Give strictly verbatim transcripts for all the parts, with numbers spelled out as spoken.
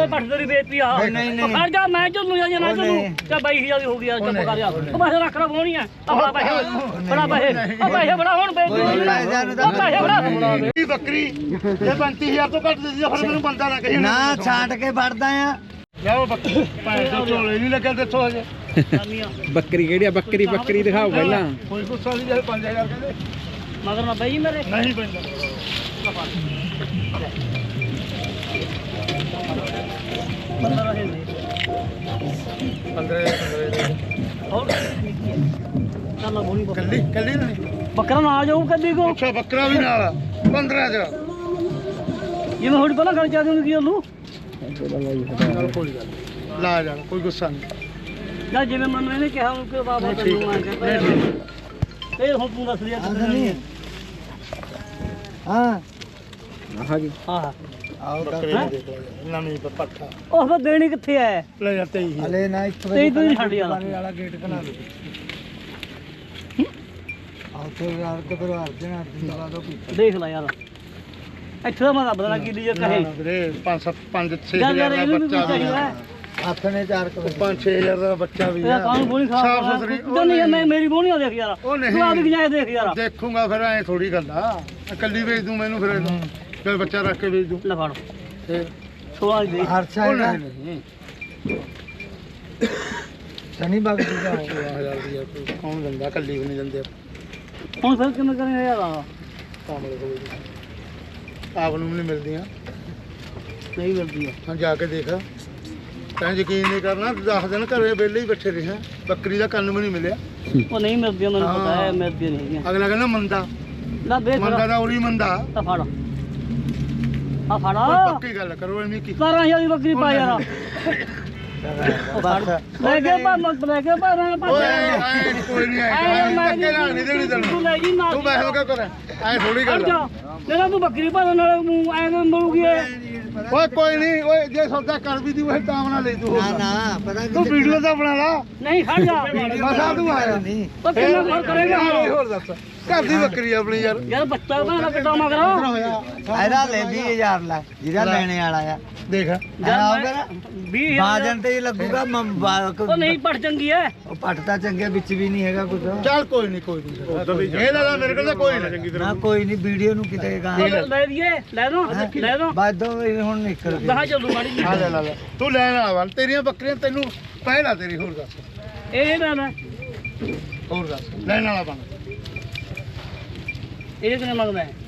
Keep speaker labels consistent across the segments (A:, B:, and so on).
A: ਪੱਟ ਤੇਰੀ ਬੇਇੱਜ਼ਤੀ ਆ ਖੜ ਜਾ ਮੈਂ ਚੱਲੂ ਜਾਂ ਨਾ ਚੱਲੂ ਤੇ ਬਾਈ ਹਜ਼ਾਰ ਹੋ ਗਿਆ ਚੁੱਪ ਕਰ ਜਾ ਉਹ ਪੈਸੇ ਰੱਖ ਰ ਹੋਣੀ ਆ ਆਪਣਾ ਪੈਸੇ ਬੜਾ ਪੈਸੇ ਉਹ ਪੈਸੇ ਬੜਾ ਹੁਣ ਬੇਇੱਜ਼ਤੀ ਉਹ ਪੈਸੇ ਬੜਾ
B: ਬੱਕਰੀ ਤੇ ਪੈਂਤੀ ਹਜ਼ਾਰ ਤੋਂ ਘੱਟ ਦਿੱਤੀ ਫਿਰ ਮੈਨੂੰ ਬੰਦਾ ਨਾ ਕਹੀ
C: ਨਾ ਛਾਂਟ ਕੇ ਫੜਦਾ ਆ
B: ਜਾਓ ਬੱਕਰੀ ਭਾਵੇਂ ਤੋਂ ਝੋਲੇ ਨਹੀਂ ਲੱਗਿਆ ਦੱਸੋ ਹਜੇ
D: ਬੱਕਰੀ ਕਿਹੜੀ ਆ ਬੱਕਰੀ ਬੱਕਰੀ ਦਿਖਾਓ ਪਹਿਲਾਂ
B: ਕੋਈ ਗੁੱਸਾ ਨਹੀਂ ਜੇ ਪੰਜ ਹਜ਼ਾਰ ਕਹਿੰਦੇ
A: ਮਗਰ ਨਾ ਬਈ ਮੇਰੇ
B: ਨਹੀਂ ਪੈਂਦਾ
A: ਬੰਦਾ ਰਹੇ ਨੇ
B: ਪੰਦਰਾਂ
A: ਹੋਰ ਚੱਲ ਬੋਲੀ
B: ਕੱਲੀ ਕੱਲੀ ਨਹੀਂ
A: ਬੱਕਰਾ ਨਾਲ ਜਾਊ ਕੱਦੀ ਕੋ
B: ਅੱਛਾ ਬੱਕਰਾ ਵੀ ਨਾਲ ਪੰਦਰਾਂ ਚ
A: ਜਿਵੇਂ ਹੁਣ ਪਹਿਲਾਂ ਗੱਲ ਚਾਹਦੇ ਹੁੰਦੀ ਕੀ ਉਹਨੂੰ
B: ਚੱਲ ਕੋਈ ਗੱਲ ਲਾ ਜਾਣਾ ਕੋਈ ਗੁੱਸਾ ਨਹੀਂ
A: ਜਾਂ ਜਿਵੇਂ ਮੈਨੂੰ ਇਹਨੇ ਕਿਹਾ ਉਹ ਕਿ ਬਾਬਾ ਤੈਨੂੰ ਆ ਕੇ ਫੇਰ ਹੁਣ ਤੂੰ ਦੱਸ ਦਿਆ
C: ਨਹੀਂ ਹਾਂ
D: ਆਹ ਜੀ
A: ਹਾਂ
C: ਆਓ
B: ਬੱਕਰੇ ਨੂੰ ਦੇਖ ਲੈ ਨਵੀਂ ਪੱਠਾ
A: ਉਹ ਫਿਰ ਦੇਣੀ ਕਿੱਥੇ ਐ
B: ਲੈ ਜਾ ਤੇਈ ਹਜ਼ਾਰ।
C: ਹਲੇ ਨਾ ਇੱਕ
A: ਤੇਈ ਤੂੰ ਛੱਡ ਯਾਰ
C: ਵਾਲਾ ਗੇਟ ਬਣਾ ਦੇ ਆਓ ਤੇ ਯਾਰ ਤੇ ਪਰਿਵਾਰ ਦੇ ਨਾਲ ਦੀ ਲਗਾ ਦੋ
A: ਦੇਖ ਲੈ ਯਾਰ ਇੱਥੇ ਦਾ ਮੈਂ ਰੱਬ ਦਾ ਕੀ ਲਈ ਕਹੇ
B: ਵੀਰੇ ਪੰਜ ਸੱਤ ਪੰਜ ਛੇ
A: ਯਾਰ
B: ਹਜ਼ਾਰ
A: ਯਾਰ
B: ਦਾ
A: ਇਹਨੂੰ ਵੀ
B: ਬੱਚਾ ਵੀ
A: ਚਾਹੀਦਾ
B: ਆ
C: ਹੱਥ ਨੇ ਚਾਰ ਕੁ
B: ਪੰਜ ਛੇ ਹਜ਼ਾਰ ਦਾ ਬੱਚਾ ਵੀ
A: ਇਹਦਾ
B: ਆ
A: ਕਾਨੂੰਨ ਬੋਣੀ ਖਾ
B: ਸਾਫ਼ ਸੁਥਰੀ
A: ਉਹ ਨਹੀਂ ਮੈਂ ਮੇਰੀ ਬੋਣੀ ਦੇਖ ਯਾਰ
B: ਉਹ ਨਹੀਂ
A: ਤੂੰ ਆਪਦੀ ਗਜਾਇ ਦੇਖ ਯਾਰ
B: ਦੇਖੂਗਾ ਫਿਰ ਐ ਥੋੜੀ ਗੱਲ ਆ ਇਕੱਲੀ ਵੇਚ ਦੂੰ ਮੈਨੂੰ ਫਿਰ ਇਹਨੂੰ ਫਿਰ ਬੱਚਾ ਰੱਖ ਕੇ ਵੇਚ ਦੂੰ
A: ਲੈ ਫੜ
B: ਫਿਰ
A: ਸੋਲਾਂ ਦੀ ਦੇ
C: ਹਰਸ਼ਾ
B: ਉਹ
C: ਹੈਗਾ
B: ਨਹੀਂ ਨਹੀਂ
C: ਸਨੀ ਬਾਗ ਦੀ ਦਾ
B: ਸੋਲਾਂ ਹਜ਼ਾਰ ਦੀ ਆ ਕੋਈ ਕੌਣ ਦਿੰਦਾ ਇਕੱਲੀ ਵੀ ਨਹੀਂ ਦਿੰਦੇ
A: ਹੁਣ ਫਿਰ ਕਿਵੇਂ ਕਰਾਂਗੇ ਯਾਰ
B: ਕਾਮਲੇ ਕੋਲ ਆਪ ਨੂੰ ਵੀ ਨਹੀਂ ਮਿਲਦੀਆਂ
A: ਨਹੀਂ ਮਿਲਦੀ ਆ
B: ਹਾਂ ਜਾ ਕੇ ਦੇਖ ਤੈਂ ਯਕੀਨ ਨਹੀਂ ਕਰਨਾ ਦਸ ਦਿਨ ਘਰੇ ਵਿਹਲੇ ਹੀ ਬੈਠੇ ਰਹੇ ਬੱਕਰੀ ਦਾ ਕੰਨ ਵੀ ਨਹੀਂ ਮਿਲਿਆ
A: ਉਹ ਨਹੀਂ ਮਿਲਦੀ ਮੈਨੂੰ ਪਤਾ ਹੈ ਮਿਲਦੀ ਨਹੀਂ ਹੈਗੀਆਂ
B: ਅਗਲਾ ਕਹਿੰਦਾ ਮੰਦਾ
A: ਲੈ ਵੇਖ
B: ਮੰਦਾ ਦਾ ਉਰੀ ਮੰਦਾ
A: ਤਾਂ ਫੜ ਆ ਫੜ
B: ਕੋਈ ਪੱਕੀ ਗੱਲ ਕਰੋ ਐਵੇਂ ਕੀ
A: ਸਤਾਰਾਂ ਹਜ਼ਾਰ ਦੀ ਬੱਕਰੀ ਪਾ ਯਾਰ ਉਹ ਫੜ ਲੈ ਕੇ ਪਾ ਮਤ ਲੈ ਕੇ ਪਾ ਰਾਂ ਪਾ
B: ਓਏ ਐ ਕੋਈ ਨਹੀਂ ਆਇਆ ਧੱਕੇ ਨਾਲ ਨਹੀਂ ਦੇਣੀ
A: ਤੂੰ
B: ਤੈਨੂੰ
A: ਲੈ ਜੀ ਨਾ
B: ਤੂੰ ਬੈਠ ਕੇ ਕਰ ਐ ਥੋੜੀ ਗੱਲ ਆ।
A: ਜਿਹੜਾ ਤੂੰ ਬੱਕਰੀ ਪਾ ਨਾਲ ਮੂੰਹ ਐ ਮਰੂਗੀ
B: ਓਏ ਕੋਈ ਨਹੀਂ ਓਏ ਜੇ ਸੌਦਾ ਕਰ ਵੀ ਦੀ ਉਹ ਤਾਂ ਬਣਾ ਲੈ ਤੂੰ
C: ਨਾ ਨਾ ਪਤਾ
B: ਤੂੰ ਵੀਡੀਓ ਤਾਂ ਬਣਾ ਲਾ
A: ਨਹੀਂ ਖੜ ਜਾ
B: ਮਸਾ ਤੂੰ ਆਇਆ
C: ਨਹੀਂ
A: ਉਹ ਕਿੰਨਾ ਫਰਕ ਕਰੇਗਾ
B: ਹੋਰ ਦੱਸ ਘਰ ਦੀ ਬੱਕਰੀ ਆਪਣੀ ਯਾਰ
A: ਯਾਰ ਬੱਚਾ ਬਣਾ ਕਿੱਡਾ ਮਗਰਾ
C: ਇਹਦਾ ਲੈ ਵੀਹ ਹਜ਼ਾਰ ਲੈ ਜਿਹਦਾ ਲੈਣੇ ਵਾਲਾ ਆ
B: ਦੇਖ
C: ਆਉਗਾ ਨਾ
A: ਵੀਹ
C: ਬਾਜਨ ਤੇ ਹੀ ਲੱਗੂਗਾ
A: ਉਹ ਨਹੀਂ ਪੜ ਚੰਗੀ ਐ
C: ਉਹ ਪੱਟ ਤਾਂ ਚੰਗੇ ਵਿੱਚ ਵੀ ਨਹੀਂ ਹੈਗਾ ਕੁਝ
B: ਚੱਲ ਕੋਈ ਨਹੀਂ ਕੋਈ ਨਹੀਂ ਇਹਦਾ ਤਾਂ ਮੇਰੇ ਕੋਲ ਤਾਂ ਕੋਈ ਨਹੀਂ ਚੰਗੀ
C: ਨਾ ਕੋਈ ਨਹੀਂ ਵੀਡੀਓ ਨੂੰ ਕਿਤੇ ਗਾ
A: ਲੈ ਦਈਏ ਲੈ ਦੋ ਲੈ ਦੋ
C: ਬਾਦੋਂ ਹੁਣ ਨਿਕਲ ਗਈ
A: ਗਾਹ ਚੱਲੂ ਮਾੜੀ ਜੀ
B: ਆ ਲੈ ਲੈ ਲੈ ਤੂੰ ਲੈਣ ਵਾਲਾ ਵਾ ਤੇਰੀਆਂ ਬੱਕਰੀਆਂ ਤੈਨੂੰ ਪਹਿਲਾਂ ਤੇਰੀ ਹੋਰ ਦੱਸ
A: ਇਹ ਲੈ ਲੈ
B: ਹੋਰ ਦੱਸ ਲੈਣ ਵਾਲਾ ਬਣ
A: ਇਹ ਕਿੰਨੇ ਮੰਗਦਾ ਹੈ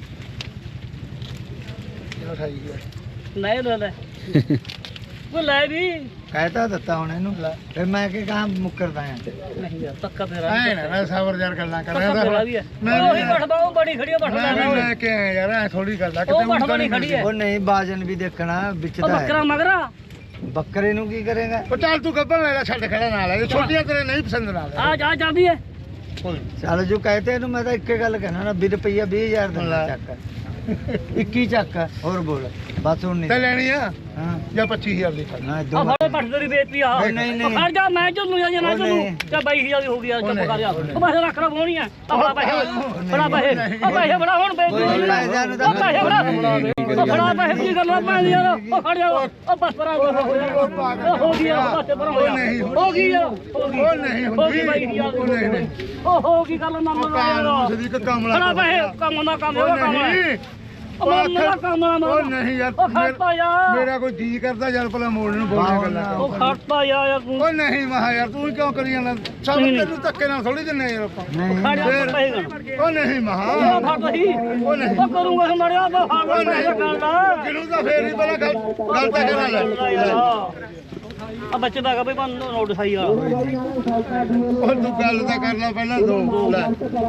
B: ਕਿਹੜਾ ਖਾਈ ਗਿਆ
A: ਨਹੀਂ ਲੈ ਲੈ ਉਹ ਲੈ ਵੀ
C: ਕਹਿਤਾ ਦਿੱਤਾ ਹੁਣ ਇਹਨੂੰ ਫਿਰ ਮੈਂ ਕਿ ਕਹਾਂ ਮੁੱਕਰਦਾ ਆ
A: ਨਹੀਂ ਯਾਰ ਤੱਕਾ ਤੇਰਾ
B: ਐ ਨਾ ਨਾ ਸਾਵਰ ਯਾਰ ਗੱਲਾਂ ਕਰ
A: ਤੱਕਾ ਤੇਰਾ ਵੀ ਹੈ ਉਹ ਹੀ ਬਠਦਾ ਉਹ ਬੜੀ ਖੜੀ ਬਠਦਾ
B: ਮੈਂ ਵੀ ਲੈ ਕੇ ਆਇਆ ਯਾਰ ਐ ਥੋੜੀ ਗੱਲ ਆ
A: ਉਹ ਬਠ ਬੜੀ ਖੜੀ ਹੈ
C: ਉਹ ਨਹੀਂ ਬਾਜਨ ਵੀ ਦੇਖਣਾ ਵਿੱਚ
A: ਉਹ
C: ਦਾ
A: ਬੱਕਰਾ
C: ਹੈ
A: ਮਗਰਾ
C: ਬੱਕਰੇ ਨੂੰ ਕੀ ਕਰੇਗਾ
B: ਉਹ ਚੱਲ ਤੂੰ ਗੱਬਣ ਲੈ ਲੈ ਛੱਡ ਖੜਾ ਨਾਲ ਇਹ ਛੋਟੀਆਂ ਤੇਰੇ ਨਹੀਂ ਪਸੰਦ ਨਾਲ
A: ਆ ਜਾ ਜਾਂਦੀ ਹੈ
B: ਕੋਈ
C: ਚੱਲ ਜੋ ਕਹਤੇ ਇਹਨੂੰ ਮੈਂ ਤਾਂ ਇੱਕੇ ਗੱਲ ਕਹਿਣਾ ਨਾ ਵੀਹ ਰੁਪਈਆ ਵੀਹ ਹਜ਼ਾਰ ਦਾ ਚੱਕ ਇੱਕੀ ਚੱਕ ਹੋਰ ਬੋਲ ਬਸ ਹੁਣ
B: ਤੇ
C: ਨਹੀਂ
B: ਲੈਣੀ ਆ
C: ਹਾਂ
B: ਜਾਂ ਪੱਚੀ ਹਜ਼ਾਰ ਦੀ ਖੜ
C: ਨਾ
A: ਆ
C: ਦੋ
A: ਫੜੇ ਪੱਟ ਤੇਰੀ ਬੇਇੱਜ਼ਤੀ ਆ
C: ਨਹੀਂ, ਨਹੀਂ।
A: ਖੜ ਜਾ ਮੈਂ ਚੱਲੂ ਜਾਂ ਨਾ
C: ਉਹ
A: ਚੱਲੂ
C: ਨਹੀਂ।
A: ਤੇ ਬਾਈ ਹਜ਼ਾਰ ਦੀ ਹੋ ਗਈ ਚੁੱਪ ਕਰ ਜਾ ਉਹ ਪੈਸੇ ਰੱਖ ਰ ਹੋਣੀ ਆ ਆਪਣਾ ਪੈਸੇ ਬੜਾ ਪੈਸੇ ਉਹ ਪੈਸੇ ਬੜਾ ਹੁਣ ਬੇਇੱਜ਼ਤੀ
C: ਕੋਈ ਪੈਸਿਆਂ ਨੂੰ ਤਾਂ
A: ਉਹ ਪੈਸੇ ਬੜਾ ਉਹ ਬੜਾ ਪੈਸੇ ਕੀ ਗੱਲਾਂ ਪੈਂਦੀ ਯਾਰ ਉਹ ਖੜ ਜਾ ਉਹ ਬਸ ਪਰਾਂ ਹੋ ਗਈ ਯਾਰ ਬਸ ਪਰਾਂ ਹੋ
B: ਨਹੀਂ
A: ਹੋ ਗਈ ਯਾਰ ਹੋ ਗਈ
B: ਉਹ ਨਹੀਂ
A: ਹੋ ਗਈ
B: ਹੁੰਦੀ
A: ਬਾਈ ਹਜ਼ਾਰ
B: ਉਹ ਨਹੀਂ ਨਹੀਂ
A: ਉਹ ਹੋ ਗਈ ਗੱਲ ਨਾ ਮੰਨ
B: ਕਾਨੂੰਨ ਸਦੀਕ ਕਮਲਾ
A: ਬੜਾ ਪੈਸੇ ਕੰਮ ਦਾ ਕੰਮ
B: ਉਹ
A: ਦਾ ਕੰਮ ਹੈ
B: ਨਹੀਂ
A: ਉਹ ਮੰਨ ਦਾ ਕੰਮ ਨਾ
B: ਉਹ ਨਹੀਂ ਯਾਰ
A: ਉਹ ਖੜਤਾ ਯਾਰ
B: ਮੇਰਾ ਕੋਈ ਜੀ ਕਰਦਾ ਯਾਰ ਭਲਾ ਮੋੜ ਨੂੰ ਬੋਲਣ ਗੱਲਾਂ ਕਰ
A: ਉਹ ਖੜਤਾ ਯਾਰ ਯਾਰ ਤੂੰ
B: ਉਹ ਨਹੀਂ ਮਹਾ ਯਾਰ ਤੂੰ ਕਿਉਂ ਕਰੀ ਜਾਂਦਾ ਸਭ ਤੈਨੂੰ ਧੱਕੇ ਨਾਲ ਥੋੜੀ ਦਿੰਨੇ ਯਾਰ ਆਪਾਂ
C: ਨਹੀਂ
A: ਖੜ ਜਾ
B: ਫਿਰ-
A: ਪੈਸੇ ਗਣ
B: ਉਹ ਨਹੀਂ ਮਹਾ
A: ਉਹ ਫੜ ਰਹੀ
B: ਉਹ ਨਹੀਂ
A: ਉਹ ਕਰੂੰਗਾ ਮੜਿਆ ਤਾਂ ਫੜ
B: ਉਹ
A: ਪੈਸੇ
B: ਨਹੀਂ
A: ਕਰਦਾ
B: ਜਿਹਨੂੰ ਤਾਂ ਫੇਰ ਹੀ ਪਹਿਲਾਂ ਗੱਲ ਗੱਲ ਤਾਂ ਕਰਾ ਲੈ
A: ਆ ਬੱਚੇ ਦਾ ਕਾ ਬਈ ਬੰਨ ਨੋਟ ਸਹੀ ਆ
B: ਉਹ ਤੂੰ ਗੱਲ ਤਾਂ ਕਰ ਲੈ ਪਹਿਲਾਂ ਦੋ ਲੈ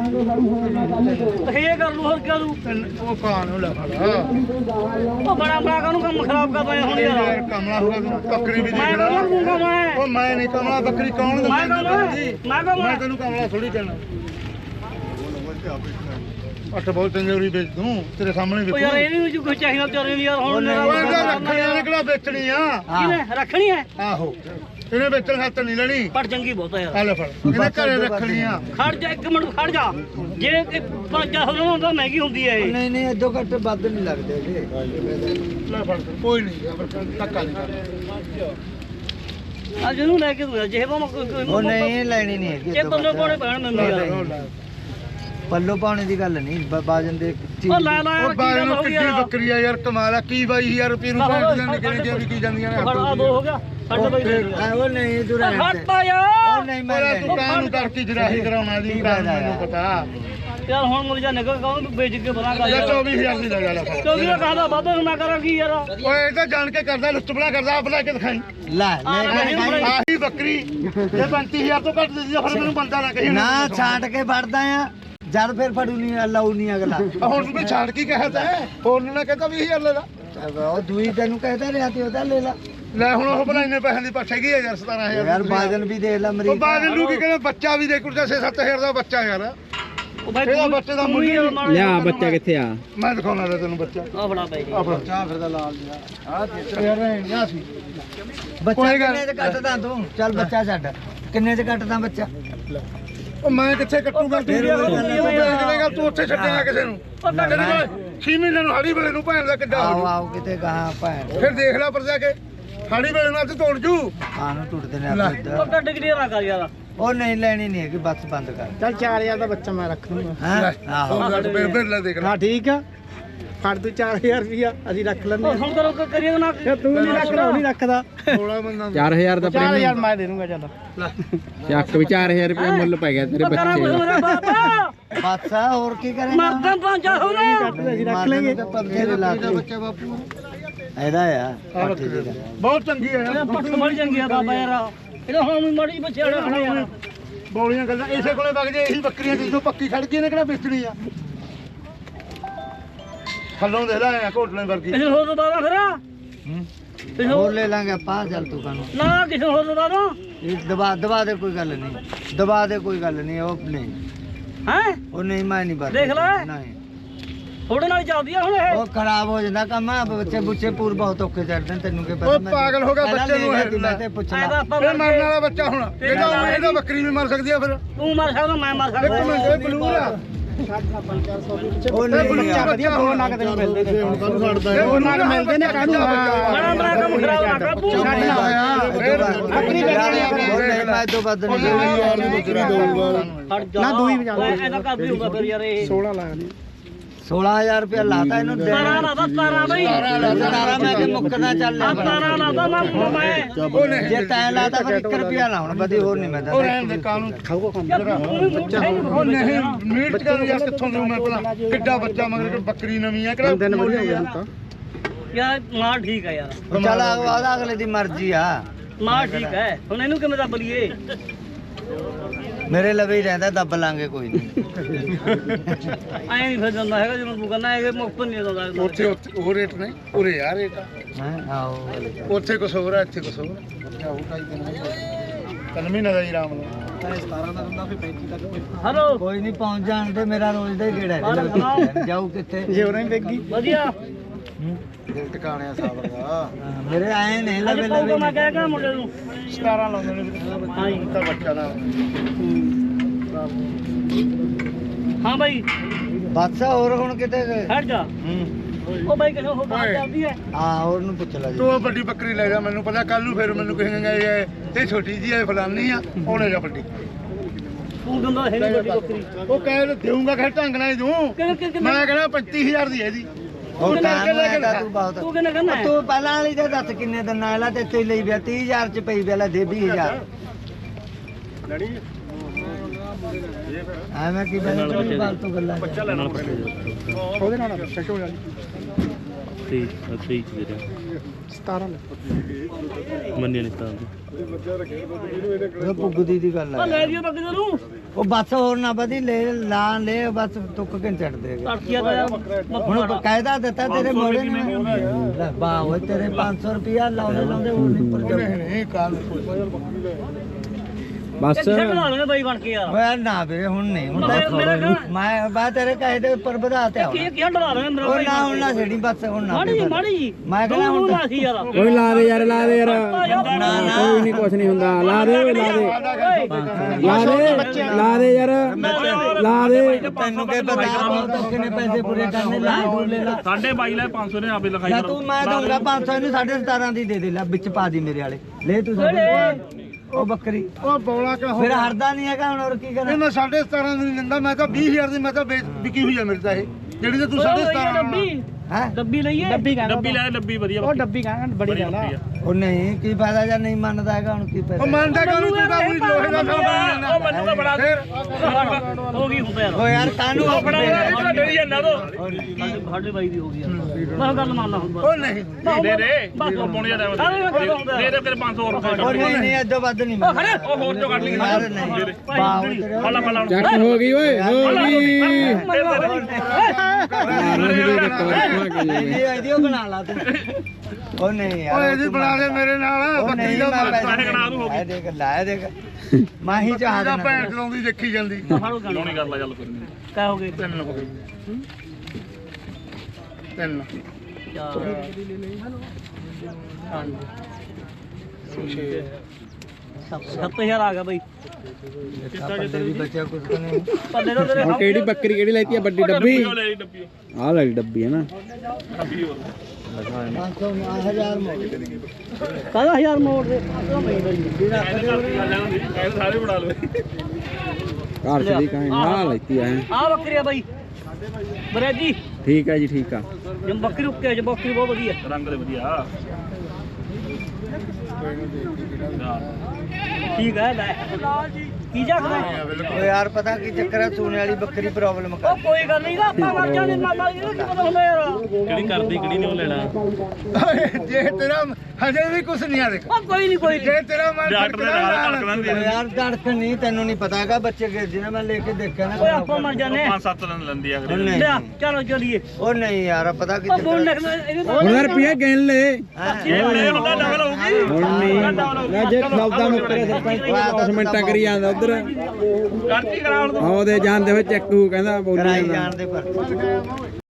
A: ਇਹ ਕਰ ਲੂ ਹੋਰ ਕਿਆ ਲੂ
B: ਤੈਨੂੰ ਉਹ ਕਾਨ ਨੂੰ ਲੈ ਫੜ
A: ਉਹ ਬੜਾ ਬੜਾ ਕਾਨੂੰ ਕੰਮ ਖਰਾਬ ਕਰ ਪਏ ਹੁਣ
B: ਯਾਰ
A: ਯਾਰ
B: ਕਮਲਾ ਹੋਗਾ ਤੂੰ ਬੱਕਰੀ ਵੀ
A: ਮੈਂ
B: ਦੇਖ
A: ਕਹਾਂ
B: ਲੈ
A: ਦੂੰਗਾ ਮੈਂ
B: ਉਹ ਮੈਂ ਨਹੀਂ ਕਮਲਾ ਬੱਕਰੀ ਕੌਣ
A: ਮੈਂ
B: ਦਿੰਦਾ
A: ਕਹਾਂ
B: ਜੀ
A: ਮੈਂ ਕਹਾਂ
B: ਮੈਂ ਤੈਨੂੰ ਕਮਲਾ ਥੋੜੀ ਕਹਿਣਾ ਅੱਠ ਬਹੁਤ ਚੰਗੇ ਉਰੀ ਵੇਚ ਦੂੰ ਤੇਰੇ ਸਾਹਮਣੇ
A: ਉਹ
B: ਵੇਖੂ
A: ਯਾਰ ਇਹ ਨਹੀਂ ਕੋਈ ਚਾਹੀਦਾ ਵਿਚਾਰੇ ਨਹੀਂ ਯਾਰ ਹੁਣ ਮੇਰਾ
B: ਓਏ ਇਹਦਾ ਰੱਖਣੀਆਂ ਨੇ ਕਿਹੜਾ ਵੇਚਣੀ ਆ
A: ਕਿਹਨੇ ਰੱਖਣੀ ਹੈ
B: ਆਹੋ ਇਹਨੇ ਵੇਚਣ ਖਾਤਰ ਨਹੀਂ ਲੈਣੀ
A: ਪਰ ਚੰਗੀ ਬਹੁਤ ਆ ਯਾਰ
B: ਆ ਲੈ ਫੜ ਇਹਨੇ ਘਰੇ ਰੱਖਣੀਆਂ
A: ਖੜ ਜਾ ਇੱਕ ਮਿੰਟ ਖੜ ਜਾ ਜੇ ਪੰਜ ਹਜ਼ਾਰ ਹੁੰਦਾ ਮਹਿੰਗੀ ਹੁੰਦੀ ਹੈ ਇਹ
C: ਨਹੀਂ ਨਹੀਂ ਇਦੋਂ ਘੱਟ ਵੱਧ ਨਹੀਂ ਲੱਗਦੇ ਜੀ
B: ਲੈ ਫੜ ਕੋਈ ਨਹੀਂ ਧੱਕਾ ਨਹੀਂ ਕਰਦਾ
A: ਅੱਜ ਇਹਨੂੰ ਲੈ ਕੇ ਦੂਆ ਜੇ ਭਾਵੇਂ ਕੋਈ
C: ਉਹ ਨਹੀਂ ਲੈਣੀ ਨਹੀਂ ਹੈਗੀ
A: ਇਹ
C: ਇੱਦੋਂ
A: ਪੱਲੇ
C: ਘੱਟ।
A: ਪਾਉਣੇ ਪੈਣ ਮੈਨੂੰ ਯਾਰ
C: ਪੱਲੋ ਪਾਉਣੇ ਦੀ ਗੱਲ ਨਹੀਂ ਬ- ਬਾਜਨ ਦੇ
A: ਉਹ ਲੈ ਲੈ
B: ਉਹ ਬਾਈ ਨੂੰ ਕਿੱਡੀ ਬੱਕਰੀ ਆ ਯਾਰ ਕਮਾਲ ਆ ਕੀ ਬਾਈ ਹਜ਼ਾਰ ਰੁਪਏ ਨੂੰ ਭੈਣ ਦੀਆਂ ਨਿਕਲੇ ਦੀਆਂ ਵੀ ਕੀ ਜਾਂਦੀਆਂ ਨੇ
A: ਖੜ ਆ ਦੋ ਹੋ ਗਿਆ ਸਾਡੇ ਬਾਈ ਦੇ
C: ਆ, ਉਹ ਨਹੀਂ ਤੂੰ ਰਹਿਣ ਦੇ।
A: ਹਟਦਾ
C: ਉਹ
A: ਯਾਰ
C: ਨਹੀਂ ਮੈਂ
B: ਮੇਰਾ
C: ਲੈਣੀ।
B: ਤੂੰ ਕਾਹ ਨੂੰ ਤੜਕੀ ਜਰਾਹੀ ਕਰਾਉਣਾ ਦੀ ਕਾਹ ਮੈਨੂੰ ਪਤਾ
A: ਯਾਰ ਹੁਣ ਮੁਰ ਜਾ ਨਿਕਲ ਕਹੂੰ ਤੂੰ ਵੇਚ ਕੇ ਬਣਾ ਕਰ
B: ਲੈ
A: ਯਾਰ
B: ਚੌਵੀ ਹਜ਼ਾਰ ਦੀ ਲਗਾ ਲੈ ਫੜ
A: ਕਿਉਂਕਿ ਇਹ ਕਹਦਾ ਵਾਧਾ ਮੈਂ ਕਰਾਂ ਕੀ ਯਾਰ
B: ਓਏ ਇਹ ਤਾਂ ਜਾਣ ਕੇ ਕਰਦਾ ਲੁੱਟਬਲਾ ਕਰਦਾ ਆਪ ਲੈ ਕੇ ਦਿਖਾਈ
C: ਲੈ
A: ਆ,
C: ਲੈ ਕੇ
A: ਨਹੀਂ,
C: ਦਿਖਾਈ।
B: ਆਹੀ ਬੱਕਰੀ ਜੇ ਪੈਂਤੀ ਹਜ਼ਾਰ ਤੋਂ ਘੱਟ ਦਿੱਤੀ ਫਿਰ ਮੈਨੂੰ ਬੰਦਾ ਨਾ ਕਹੀ
C: ਨਾ ਛਾਂਟ ਕੇ ਵੜਦਾ ਆ ਜਦ ਫਿਰ ਫੜੂ ਨਹੀਂ ਲਾਉ ਨਹੀਂ ਅਗਲਾ
B: ਹੁਣ ਤੂੰ ਛਾੜ ਕੀ ਕਹਤਾ ਹੈ ਹੋਰ ਨੇ ਕਹਿੰਦਾ ਵੀਹ ਹਜ਼ਾਰ ਲੈ ਲਾ
C: ਉਹ ਦੂਈ ਤੈਨੂੰ ਕਹਿੰਦਾ ਰਿਹਾ ਤੇ ਉਹਦਾ ਲੈ ਲਾ
B: ਲੈ ਹੁਣ ਉਹ ਭਲਾ ਇੰਨੇ ਪੈਸੇ ਦੀ ਪੱਠ ਹੈਗੀ ਆ ਯਾਰ ਸਤਾਰਾਂ ਹਜ਼ਾਰ
C: ਯਾਰ ਬਾਜਨ ਵੀ ਦੇਖ ਲੈ
B: ਉਹ
C: ਮਰੀਜ਼
B: ਬਾਦਲ ਨੂੰ ਕੀ ਕਹਿੰਦਾ ਬੱਚਾ ਵੀ ਦੇ ਕੁੜਦਾ ਛੇ ਸੱਤ ਹਜ਼ਾਰ ਦਾ ਬੱਚਾ ਯਾਰ
A: ਉਹ ਬਾਈ
B: ਇਹਦਾ ਬੱਚੇ ਦਾ ਮੁੱਲ ਹੀ ਨਹੀਂ।
D: ਲਿਆ ਬੱਚਾ ਕਿੱਥੇ ਆ
B: ਮੈਂ ਦਿਖਾਉਣਾ ਲੈ ਤੈਨੂੰ ਬੱਚਾ
A: ਆ ਬੜਾ ਬਾਈ
B: ਆਪਣਾ
C: ਚਾਹ ਫਿਰ ਦਾ ਲਾਲ ਜਿਹਾ ਆ
B: ਯਾਰ ਰਹਿਣਾ ਸੀ
C: ਬੱਚਾ
B: ਕੋਈ ਗੱਲ-
C: ਕਿੰਨੇ ਚ ਕੱਟਦਾ ਤੂੰ ਚੱਲ ਬੱਚਾ ਛੱਡ ਕਿੰਨੇ ਚ ਕੱਟਦਾ ਬੱਚਾ
B: ਉਹ ਮੈਂ ਕਿੱਥੇ ਕੱਟੂਗਾ ਤੂੰ
C: ਫਿਰ ਉਹ ਗੱਲ ਹੈ।
B: ਕਿਹੜਾ ਤੂੰ ਉੱਥੇ ਛੱਡੇਗਾ ਕਿਸੇ ਨੂੰ ਤੇਰੇ ਕੋਲ ਛੇ ਮਹੀਨੇ ਨੂੰ ਹਾੜੀ ਵੇਲੇ ਨੂੰ ਭੈਣ ਦਾ ਕਿੱਡਾ ਹੋ
C: ਆਓ
B: ਜੂ
C: ਆਓ ਕਿਤੇ ਗਾਂ ਭੈਣ
B: ਫਿਰ ਦੇਖ ਲੈ ਪਰ ਜਾ ਕੇ ਹਾੜੀ ਵੇਲੇ ਨੂੰ ਅੱਜ ਤੋੜ ਜੂ
C: ਆਹ ਨੂੰ ਟੁੱਟਦੇ ਨੇ
B: ਲੈ।
C: ਆਪਣੇ
A: ਪੱਕਾ ਡਿਗਰੀ ਨਾ ਕਰ ਯਾਰ
C: ਉਹ ਨਹੀਂ ਲੈਣੀ ਨਹੀਂ ਹੈਗੀ ਬੱਸ ਬੰਦ ਕਰ
E: ਚੱਲ ਚਾਰ ਹਜ਼ਾਰ ਦਾ ਬੱਚਾ ਮੈਂ ਰੱਖ ਲੂੰਗਾ
C: ਹਾਂ ਆਹੋ
B: ਹੋਰ ਗੱਲ ਫਿਰ ਫਿਰ ਲੈ ਦੇਖ ਲੈ
E: ਹਾਂ ਠੀਕ ਆ ਫੜ ਤੂੰ ਚਾਰ ਹਜ਼ਾਰ ਰੁਪਇਆ ਅਸੀਂ ਰੱਖ ਲੈਂਦੇ
A: ਉਹ ਹੁਣ ਕਰੋ ਕਰੀਏ ਨਾ
E: ਆ ਤੂੰ ਨਹੀਂ ਰੱਖਦਾ ਉਹ ਨਹੀਂ ਰੱਖਦਾ
B: ਸੋਲਾਂ ਬੰਦਾ
D: ਚਾਰ ਹਜ਼ਾਰ ਦਾ
E: ਚਾਰ ਹਜ਼ਾਰ
D: ਪ੍ਰੀਮੀਅਮ
E: ਮੈਂ ਦੇ ਦੂੰਗਾ ਚੱਲ
D: ਚੱਕ ਵੀ ਚਾਰ ਹਜ਼ਾਰ ਰੁਪਏ ਮੁੱਲ ਪੈ ਗਿਆ ਤੇਰੇ
A: ਕਰਾਂ ਕੁਝ
D: ਬੱਚੇ
A: ਮੇਰਾ ਬਾਪਾ
C: ਬੱਸ ਆ ਹੋਰ ਕੀ ਕਰੇਗਾ
A: ਮਰਦਾਂ ਪੰਜਾ ਹੋ ਨਾ
C: ਅਸੀਂ ਰੱਖ ਲੈਂਗੇ ਪੱਤੇ ਦੇ ਲਾ ਕੇ
B: ਬੱਚਾ ਬਾਪੂ
C: ਇਹਦਾ ਆ ਪੱਠੇ ਦੀ ਦਾ।
B: ਬਹੁਤ ਚੰਗੀ ਹੈ
A: ਇਹ ਪੱਠ ਮੜ ਜਾਂਗੀ ਆ ਬਾਬਾ ਯਾਰ ਇਹਦਾ ਹੁਣ ਵੀ ਮੜੀ ਬਚੇੜਾ ਖੜਾ ਯਾਰ
B: ਬੋਲੀਆਂ ਗੱਲਾਂ ਇਸੇ ਕੋਲੇ ਵਗ ਜੇ ਇਹੀ ਬੱਕਰੀਆਂ ਜਿੱਦੋਂ ਪੱਕੀ ਖੜ ਗਈ ਨੇ ਕਿਹੜਾ ਵੇਚਣੀ ਆ ਥੱਲੋਂ ਦੇਖ ਲੈ ਘੋਟਲੇ ਵਰਗੀ
A: ਕਿਸੇ ਹੋਰ ਤੋਂ ਬਾਅਦ ਫਿਰ
C: ਹੂੰ
A: ਕਿਸੇ
C: ਹੋਰ
A: ਹੋਰ
C: ਲੈ ਲਾਂਗੇ ਆਪਾਂ ਚੱਲ ਤੂੰ ਕਾਨੂੰ
A: ਨਾ ਕਿਸੇ ਹੋਰ ਤੋਂ ਬਾਅਦ
C: ਇਹ ਦਬਾ ਦਬਾ ਦੇ ਕੋਈ ਗੱਲ ਨਹੀਂ ਦਬਾ ਦੇ ਕੋਈ ਗੱਲ ਨਹੀਂ ਉਹ ਨਹੀਂ
A: ਹੈ
C: ਉਹ ਨਹੀਂ ਮੈਂ ਨਹੀਂ ਬਾਤ
A: ਦੇਖ ਲੈ।
C: ਨਹੀਂ
A: ਥੋੜੇ ਨਾਲ ਚੱਲਦੀ ਆ ਹੁਣ ਇਹ
C: ਉਹ ਖਰਾਬ ਹੋ ਜਾਂਦਾ ਕੰਮ ਆ ਬੱਚੇ ਬੁੱਚੇ ਪੂਰ ਬਹੁਤ ਔਖੇ ਚੜਦੇ ਨੇ ਤੈਨੂੰ ਕੀ ਪਤਾ
B: ਉਹ ਪਾਗਲ ਹੋ ਗਿਆ ਬੱਚੇ ਨੂੰ ਇਹ
C: ਮੈਂ ਤੇ ਪੁੱਛ
A: ਐਦਾ
C: ਲਾ
A: ਆਪਾਂ
B: ਇਹ ਮਰਨ ਵਾਲਾ ਬੱਚਾ ਹੁਣ ਇਹਦਾ ਉਹ- ਇਹਦਾ ਬੱਕਰੀ ਵੀ ਮਰ ਸਕਦੀ ਆ ਫਿਰ
A: ਤੂੰ ਮਰ ਸਕਦਾ ਮੈਂ ਮਰ
B: ਇੱਕ
A: ਸਕਦਾ
B: ਮਿੰਟ ਇਹ ਬਲੂਰ ਆ
C: ਉਹ
B: ਇਹ
C: ਨਹੀਂ
B: ਬੱਚਾ
C: ਯਾਰ।
E: ਵਧੀਆ ਦੋ ਨਗ ਤੈਨੂੰ ਮਿਲਦੇ ਨੇ
B: ਦੋ
E: ਨਗ ਮਿਲਦੇ ਨੇ ਕਾਹਨੂੰ
A: ਬੜਾ ਬੜਾ ਕੰਮ ਖਰਾਬ ਨਾ ਕਰ ਤੂੰ
C: ਛੱਡ ਨਾ
B: ਫਿਰ
C: ਬੱਕਰੀ ਨਹੀਂ ਮੈਂ ਤੋਂ ਵੱਧ ਨਹੀਂ
A: ਹਟ ਜਾ
E: ਨਾ ਦੋ ਹੀ ਵਜਾ
A: ਓਏ ਇਹਦਾ ਕਰ ਵੀ ਹੋਊਗਾ ਫਿਰ ਯਾਰ ਇਹ
E: ਸੋਲਾਂ ਲਾ ਲਈ
C: ਸੋਲਾਂ ਹਜ਼ਾਰ ਰੁਪਇਆ ਲਾਤਾ ਇਹਨੂੰ ਦੇ
A: ਤਾਰਾ ਲਾਦਾ ਤਾਰਾ ਬਈ
C: ਸਾਰਾ ਮੈਂ ਕਿ ਮੁੱਕਣਾ ਚੱਲ
A: ਆ
C: ਲਿਆ
A: ਤਾਰਾ ਲਾਦਾ ਮੈਂ ਮੈਂ
B: ਉਹ ਨਹੀਂ
C: ਜੇ ਤੈਂ ਲਾਤਾ ਫਿਰ ਇੱਕ ਰੁਪਿਆ ਲਾਉਣ ਬਦੀ ਹੋਰ ਨਹੀਂ ਮੈਂ
B: ਉਹ
C: ਦਿੰਦਾ
B: ਰਹਿਣ ਦੇ ਕਾਨੂੰਨ
E: ਖਾਊਗਾ ਕੰਮ
A: ਯਾਰ ਤੂੰ ਵੀ ਮੁੱਠਾ ਹੀ ਨਹੀਂ
B: ਉਹ ਨਹੀਂ ਮੀਟ ਕਰ ਯਾਰ ਕਿੱਥੋਂ ਲਊ ਮੈਂ ਭਲਾ ਕਿੱਡਾ ਬੱਚਾ ਮਗਰ ਕਿ ਬੱਕਰੀ ਨਵੀਂ ਆ ਕਿਹੜਾ
E: ਦਿਨ ਵਧੀਆ ਹੋ
B: ਮੁੱਲ
E: ਗਿਆ
B: ਆ?
E: ਹੁਣ ਤਾਂ
A: ਯਾਰ ਮਾਂ ਠੀਕ ਆ ਯਾਰ
C: ਚੱਲ ਅਗਲਾ ਅਗਲੇ ਦੀ ਮਰਜ਼ੀ ਆ
A: ਮਾਂ ਠੀਕ ਹੈ ਹੁਣ ਇਹਨੂੰ ਕਿਵੇਂ ਦੱਬ ਲਈਏ
C: ਮੇਰੇ ਲਵੇ ਹੀ ਰਹਿੰਦਾ ਦੱਬ ਲਾਂਗੇ ਕੋਈ ਨਹੀਂ
A: ਐ ਨਹੀਂ ਫਿਰ ਜਾਂਦਾ ਹੈਗਾ ਜਦੋਂ ਤੂੰ ਕਹਿੰਦਾ ਇਹ ਮੁਫਤ ਨਹੀਂ ਦਿੰਦਾ
B: ਉੱਥੇ ਉੱਥੇ ਉਹ ਰੇਟ ਨਹੀਂ ਉਰੇ ਆ ਰੇਟ ਆ।
C: ਹੈ ਆਓ
B: ਉੱਥੇ ਕੁਛ ਹੋਰ ਆ ਇੱਥੇ ਕੁਛ ਹੋਰ ਆ। ਤਿੰਨ ਮਹੀਨੇ ਦਾ ਹੀ ਆਰਾਮ ਨਾਲ
A: ਹਲੋ
C: ਕੋਈ ਨਹੀਂ ਪਹੁੰਚ ਜਾਣ ਤੇ ਮੇਰਾ ਰੋਜ਼ ਦਾ ਹੀ ਗੇੜਾ
A: ਹਾਂ, ਸੁਣਾਓ।
C: ਜਾਊ ਕਿੱਥੇ
E: ਜੇ ਉਹਨਾਂ ਹੀ ਵੇਗੀ
A: ਵਧੀਆ
C: ਹੂੰ?
B: ਦਿਲ ਟਿਕਾਣਿਆ ਸਾਬਰ ਦਾ
C: ਹਾਂ, ਮੇਰੇ ਆਏ ਨੇ
A: ਅੱਜ
C: ਲਵੇ
A: ਪਾਉਗਾ ਮੈਂ
C: ਲਵੇ
A: ਕਹੇਗਾ ਮੁੰਡੇ ਨੂੰ
B: ਸਤਾਰਾਂ ਲਾਉਂਦੇ ਨੇ
A: ਹਾਂ ਜੀ
B: ਤਾਂ ਬੱਚਾ ਦਾ
A: ਹਾਂ ਬਾਈ
C: ਬਸ ਹੋਰ ਹੁਣ ਕਿਤੇ ਗਏ
A: ਹਟ ਜਾ
C: ਹੂੰ
A: ਉਹ ਬਾਈ ਕਿਸੇ ਹੋਰ ਬਾਤ ਚੱਲਦੀ ਹੈ
C: ਹਾਂ ਹੋਰ ਨੂੰ ਪੁੱਛ ਲੈ ਜੀ
B: ਤੂੰ ਉਹ ਵੱਡੀ ਬੱਕਰੀ ਲੈ ਜਾ ਮੈਨੂੰ ਪਤਾ ਕੱਲ ਨੂੰ ਫਿਰ ਮੈਨੂੰ ਕਹੇਗਾ ਇਹ ਇਹ ਛੋਟੀ ਜੀ ਹੈ ਫਲਾਨੀ ਆ ਉਹਨੇ ਜਾ ਵੱਡੀ
A: ਤੂੰ ਦਿੰਦਾ ਹੈ ਨਹੀਂ ਵੱਡੀ ਬੱਕਰੀ
B: ਉਹ ਕਹਿ ਦੇਊਂਗਾ ਖੈਰ ਢੰਗ ਨਾਲ ਹੀ ਦੂੰ
A: ਕਿੰਨੇ ਕਿੰਨੇ
B: ਮੈਂ ਕਹਿੰਦਾ ਪੈਂਤੀ ਹਜ਼ਾਰ ਦੀ ਹੈ ਇਹਦੀ
C: ਹੋਰ
A: ਕਿੰਨੇ
C: ਟਾਈਮ ਹੋਇਆ ਤੂੰ ਬਹੁਤ
A: ਤੂੰ ਕਿੰਨੇ ਕਹਿੰਦਾ
C: ਤੂੰ ਪਹਿਲਾਂ ਵਾਲੀ ਤੇ ਦੱਸ ਕਿੰਨੇ ਦਿਨ ਆਇਆ ਤੇ ਤੂੰ ਲਈ ਪਿਆ ਤੀਹ ਹਜ਼ਾਰ ਚ ਪਈ ਪਿਆ ਲੈ ਦੇ ਵੀਹ ਹਜ਼ਾਰ ਐਵੇਂ ਕੀ ਬਣ ਤੂੰ ਫਾਲਤੂ ਗੱਲਾਂ ਚ।
E: ਉਹਦੇ ਨਾਲ ਛੱਟੋ ਵਾਲੀ
F: ਠੀਕ ਠੀਕ ਵੀਰੇ
E: ਸਤਾਰਾਂ ਲੈ
F: ਮੰਨਿਆ ਨਹੀਂ ਤਾਂ
C: ਉਹ ਪੁੱਗਦੀ ਦੀ ਗੱਲ
A: ਉਹ
C: ਆ
A: ਲੈ ਜਿਓ ਬੱਕਰੀ ਨੂੰ
C: ਉਹ ਬਸ ਹੋਰ ਨਾ ਵਧੀ ਲੈ ਲਾ ਲੈ ਬਸ ਤੁੱਕ ਕੇ ਛੱਡ ਦੇਗਾ
A: ਤੜਕੀਆ ਦਾ ਯਾਰ
C: ਹੁਣ ਕਾਇਦਾ ਦਿੱਤਾ ਤੇਰੇ ਮੋੜੇ ਨੇ ਲੈ ਬਾ ਹੋਏ ਤੇਰੇ ਪੰਜ ਸੌ ਰੁਪਿਆ ਲਾਉਂਦੇ ਲਾਉਂਦੇ ਹੋਰ ਨਹੀਂ ਪਰ
B: ਨਹੀਂ ਨਹੀਂ ਕੱਲ
D: ਬਸ
A: ਕਿਸੇ ਬਣਾ ਲੈਣੇ ਬਾਈ ਬਣ ਕੇ ਯਾਰ
C: ਓਏ ਨਾ ਵੀਰੇ ਹੁਣ ਨਹੀਂ ਹੁਣ ਤਾਂ
A: ਮੇਰੇ ਨਾਲ
C: ਮੈਂ ਬਾ ਤੇਰੇ ਕਹੇ ਦੇ ਉੱਪਰ ਵਧਾ ਤੇ
A: ਕੀ ਕੀ ਹੰਡਲਾ ਲੈਣੇ ਮੇਰੇ
C: ਉਹ
A: ਬਾਈ
C: ਨਾ ਹੁਣ ਨਾ ਛੇੜੀ ਬਸ ਹੁਣ ਨਾ
A: ਮਾੜੀ ਜੀ ਮਾੜੀ ਜੀ
C: ਮੈਂ ਕਹਿੰਦਾ ਹੁਣ
A: ਨਾ ਸੀ ਯਾਰ
D: ਓਏ ਲਾ ਦੇ ਯਾਰ ਲਾ ਦੇ ਯਾਰ
C: ਨਾ ਨਾ
D: ਕੋਈ ਨਹੀਂ ਕੁਛ ਨਹੀਂ ਹੁੰਦਾ ਲਾ ਦੇ ਓਏ ਲਾ ਦੇ ਲਾ ਦੇ ਲਾ ਦੇ ਯਾਰ ਲਾ ਦੇ
C: ਤੈਨੂੰ ਕੀ ਪਤਾ ਬਹੁਤ ਕਿੰਨੇ ਪੈਸੇ ਪੂਰੇ ਕਰਨੇ ਲਾ ਦੂਰ ਲੈ ਲਾ
F: ਸਾਡੇ ਬਾਈ ਲੈ ਪੰਜ ਸੌ ਨੇ ਆਪੇ ਲਿਖਾਈ
C: ਜਾਂ ਤੂੰ ਮੈਂ ਦਊਂਗਾ ਪੰਜ ਸੌ ਇਹਨੂੰ ਸਾਢੇ ਸਤਾਰਾਂ ਦੀ ਦੇ ਦੇ ਲੈ ਵਿੱਚ ਪਾ ਦੀ ਮੇਰੇ ਵਾਲੇ ਲੈ ਤੂੰ ਸਾਡੇ ਉਹ ਬੱਕਰੀ
B: ਉਹ ਬੌਲਾ ਕਿਉਂ ਹੋ
C: ਫਿਰ ਹਰਦਾ ਨਹੀਂ ਹੈਗਾ ਹੁਣ ਹੋਰ ਕੀ
B: ਇਹ
C: ਕਰਾਂ
B: ਮੈਂ ਸਾਢੇ ਸਤਾਰਾਂ ਦੀ ਨਹੀਂ ਦਿੰਦਾ ਮੈਂ ਤਾਂ ਵੀਹ ਹਜ਼ਾਰ ਦੀ ਮੈਂ ਤਾਂ ਵੇਚ- ਵਿਕੀ ਹੋਈ ਆ ਮੇਰੇ ਤਾਂ ਇਹ ਜਿਹੜੀ ਤੇ ਤੂੰ ਸਾਢੇ ਸਤਾਰਾਂ
A: ਡੱਬੀ
C: ਹੈ
A: ਡੱਬੀ ਲਈਏ
E: ਡੱਬੀ ਕਹਿੰਦਾ
F: ਡੱਬੀ ਲੈ ਡੱਬੀ ਵਧੀਆ
E: ਉਹ ਡੱਬੀ ਕਹਿੰਦਾ ਬੜੀ ਗੱਲ ਆ
C: ਉਹ ਨਹੀਂ ਕੀ ਫਾਇਦਾ ਜਾਂ ਨਹੀਂ ਮੰਨਦਾ ਹੈਗਾ ਹੁਣ ਕੀ
B: ਉਹ
C: ਫਾਇਦਾ
B: ਮੰਨਦਾ ਕਿਉਂ ਨਹੀਂ ਤੂੰ ਤਾਂ ਉਹੀ ਲੋਹੇ ਦਾ ਕੰਮ ਕਰੀ ਜਾਂਦਾ
F: ਉਹ ਮੈਨੂੰ ਤਾਂ ਬੜਾ
B: ਫਿਰ
A: ਹੋ ਗਈ ਹੁੰਦਾ ਯਾਰ
C: ਓ ਯਾਰ ਕਾਨੂੰ
F: ਬੜਾ ਬੜਾ ਡਰੀ ਜਾਂਦਾ ਤੋ
A: ਸਾਡੇ ਬਾਈ ਦੀ ਹੋ ਗਈ ਯਾਰ ਮੈਂ ਗੱਲ ਮੰਨਦਾ ਹੁਣ
B: ਉਹ ਨਹੀਂ
F: ਦੇ ਦੇ ਉਹ ਪੌਣੇ ਦਾ ਟਾਈਮ ਦੇ ਦੇ ਫਿਰ ਪੰਜ ਸੌ
C: ਉਹ
F: ਰੁਪਏ
C: ਨਹੀਂ ਨਹੀਂ ਅੱਧੋ ਵੱਧ ਨਹੀਂ
A: ਉਹ ਖੜੇ
F: ਉਹ ਹੋਰ ਚੋਂ ਕੱਢ ਲਈ
C: ਯਾਰ ਨਹੀਂ ਬਾਹਰ ਤੇਰੇ
F: ਫਲਾ ਫਲਾ
D: ਚੱਕ ਹੋ ਗਈ ਓਏ ਹੋ ਗਈ
C: ਨਹੀਂ ਇਹਦੀ ਉਹ ਬਣਾ ਲਾ ਤੂੰ ਉਹ ਨਹੀਂ ਯਾਰ
B: ਓਏ ਇਹਦੀ ਬਣਾ ਦੇ ਮੇਰੇ ਨਾਲ
C: ਉਹ
B: ਬੱਕਰੀ
C: ਨਹੀਂ
B: ਦਾ
C: ਮੈਂ
B: ਮਰਦਾ
C: ਪੈਸੇ
F: ਕਰਾ ਦੂੰ ਹੋ ਗਈ।
C: ਲਾਇਆ ਦੇਖ ਲਾਇਆ ਦੇਖ ਮਾਹੀ ਚਾਹ
B: ਇਹਦਾ
C: ਦੇਣਾ
B: ਭੈਣ ਚਲਾਉਂਦੀ ਦੇਖੀ ਜਾਂਦੀ
A: ਫੜੋ ਗੱਲ
F: ਲੋਣੀ ਕਰ ਲਾ ਚੱਲ ਕੋਈ ਨਹੀਂ
A: ਕਾ ਹੋ ਗਏ
B: ਤਿੰਨ ਹੋ ਗਏ ਤਿੰਨ
A: ਸੱਤ ਹਜ਼ਾਰ ਆ ਗਿਆ ਬਾਈ
C: ਪੱਲੇ ਵੀ ਬਚਿਆ ਕੁਝ ਨਹੀਂ
A: ਪੱਲੇ ਦਾ ਤੇਰੇ
D: ਹੁਣ ਕਿਹੜੀ ਬੱਕਰੀ ਕਿਹੜੀ ਲੈਤੀ ਆ ਵੱਡੀ ਡੱਬੀ
F: ਉਹ ਲੈ ਲਈ ਡੱਬੀ
D: ਆਹ ਲੈ ਡੱਬੀ ਹੈ ਨਾ
F: ਡੱਬੀ ਹੋਰ
C: ਪੰਜ ਸੌ ਹਜ਼ਾਰ ਮੋੜ
A: ਕਾਹਦਾ ਹਜ਼ਾਰ ਮੋੜ ਦੇ
F: ਸਾਰੇ ਬਣਾ ਲਓ
D: ਘਰ ਚਲੀ ਕਾਹੀਂ ਆਹ ਲੈਤੀ ਆ
A: ਆ ਬੱਕਰੀ ਆ ਬਾਈ ਬਰੇਜੀ
D: ਠੀਕ ਹੈ ਜੀ ਠੀਕ ਆ
A: ਜਮ ਬੱਕਰੀ ਉੱਕੇ ਜਮ ਬੱਕਰੀ ਬਹੁਤ ਵਧੀਆ
F: ਰੰਗ ਦੇ ਵਧੀਆ
A: ਠੀਕ ਹੈ ਲੈ ਕੀ ਜਗਦਾ
C: ਓ ਯਾਰ ਪਤਾ ਕੀ ਚੱਕਰ ਹੈ ਸੂਣੇ ਵਾਲੀ ਬੱਕਰੀ ਪ੍ਰੋਬਲਮ
A: ਉਹ
C: ਕਰ
A: ਕੋਈ ਗੱਲ ਨਹੀਂ ਨਾ ਆਪਾਂ ਮਰ ਜਾਣੇ ਮਾਮਾ ਇਹਦਾ ਕੀ ਪਤਾ ਹੁੰਦਾ ਯਾਰ
F: ਕਿਹੜੀ ਕਰਦੀ ਕਿਹੜੀ ਨਹੀਂ ਉਹ ਲੈਣਾ
B: ਜੇ ਤੇਰਾ ਹਜੇ ਵੀ ਕੁਝ ਨਹੀਂ ਆ ਦੇਖ
A: ਉਹ ਕੋਈ ਨਹੀਂ ਕੋਈ ਨੀ।
B: ਜੇ ਤੇਰਾ ਮਨ
F: ਡਾਕਟਰ ਦੇ ਨਾਲ ਕੜਕਦਾ
C: ਓ ਯਾਰ ਧੜਕਣ ਨਹੀਂ ਤੈਨੂੰ ਨਹੀਂ ਪਤਾ ਹੈਗਾ ਬੱਚੇ ਕੇ ਜਿਹਨਾਂ ਮੈਂ ਲੈ ਕੇ ਦੇਖਿਆ ਨਾ
A: ਓਏ ਆਪਾਂ ਮਰ ਜਾਣੇ
F: ਪੰਜ ਸੱਤ ਦਿਨ ਲੈਂਦੀ ਆ
C: ਉਹ
F: ਅਗਲੇ
C: ਨਹੀਂ
A: ਲਿਆ ਚਲੋ ਚਲੀਏ
C: ਉਹ ਨਹੀਂ ਯਾਰ ਪਤਾ ਕੀ
A: ਉਹ
C: ਚੱਕਰ
A: ਬੋਲ
C: ਹੈ?
A: ਲਿਖਣਾ ਇਹਦੇ ਤੋਂ
D: ਹੁਣ ਰੁਪਏ ਗਿਣ ਲੈ
C: ਹੈਂ?
F: ਇਹ ਹੁੰਦਾ ਡਬਲ ਹੋਊਗੀ
D: ਹੁਣ ਨਹੀਂ ਲੈ ਜੇ ਖਲੌਦਾ ਮੁੱਕਰੇ ਸਰਪੰਚ ਦਸ ਮਿੰਟਾਂ ਕਰੀ ਜਾਂਦਾ ਉਧਰ
F: ਕਰਤੀ ਕਰਾਉਣ
D: ਆਉਦੇ ਜਾਂਦੇ ਹੋਏ ਚੱਕੂ ਕਹਿੰਦਾ ਬੋਲੀ
C: ਕਰਾਈ
D: ਜਾਂਦਾ
C: ਜਾਣ ਦੇ ਪਰ